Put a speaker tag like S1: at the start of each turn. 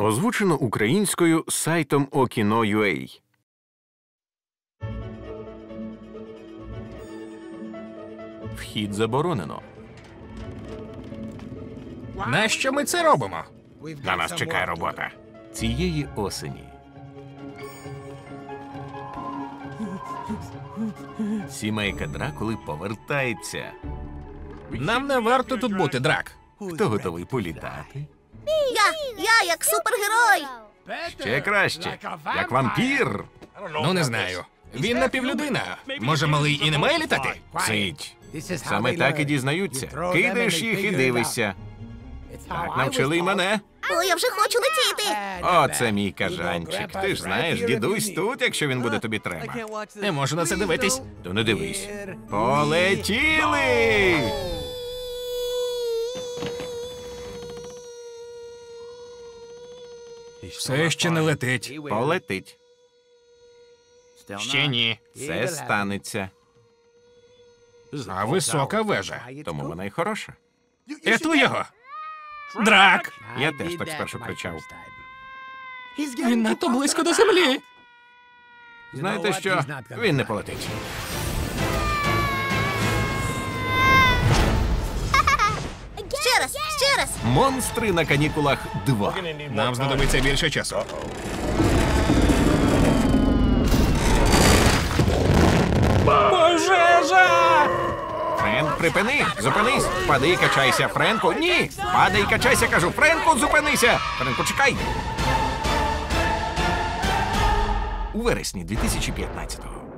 S1: Озвучено українською сайтом Okino.ua. Вхід заборонено.
S2: Нащо ми це робимо?
S1: На нас чекає робота. Цієї осені. Сімейка Дракули повертається.
S2: Нам не варто тут бути, Драк.
S1: Хто готовий політати?
S3: Я як супергерой.
S1: Ще краще. Як вампір.
S2: Ну, не знаю. Він напівлюдина. Може, малий і не має літати?
S1: Сидь. Саме так і дізнаються. Кидаєш їх і дивишся. Так навчили й мене.
S3: О, я вже хочу летіти.
S1: О, це мій кажанчик. Ти ж знаєш, дідусь тут, якщо він буде тобі треба.
S2: Не можу на це дивитись.
S1: То не дивись. Полетіли!
S2: Все ще не летить.
S1: Полетить.
S2: Ще ні.
S1: Це станеться.
S2: А висока вежа.
S1: Тому вона й хороша.
S2: Рятуй його! Драк!
S1: Я теж так спершу кричав.
S2: Він надто близько до землі.
S1: Знаєте що? Він не полетить.
S3: Ще раз.
S1: Монстри на канікулах 2.
S2: Нам знадобиться більше часу. Пожежа!
S1: Френк, припини! Зупинись! Падай і качайся, Френку! Ні! Падай і качайся, кажу! Френку, зупинися! Френку, чекай! У вересні 2015-го.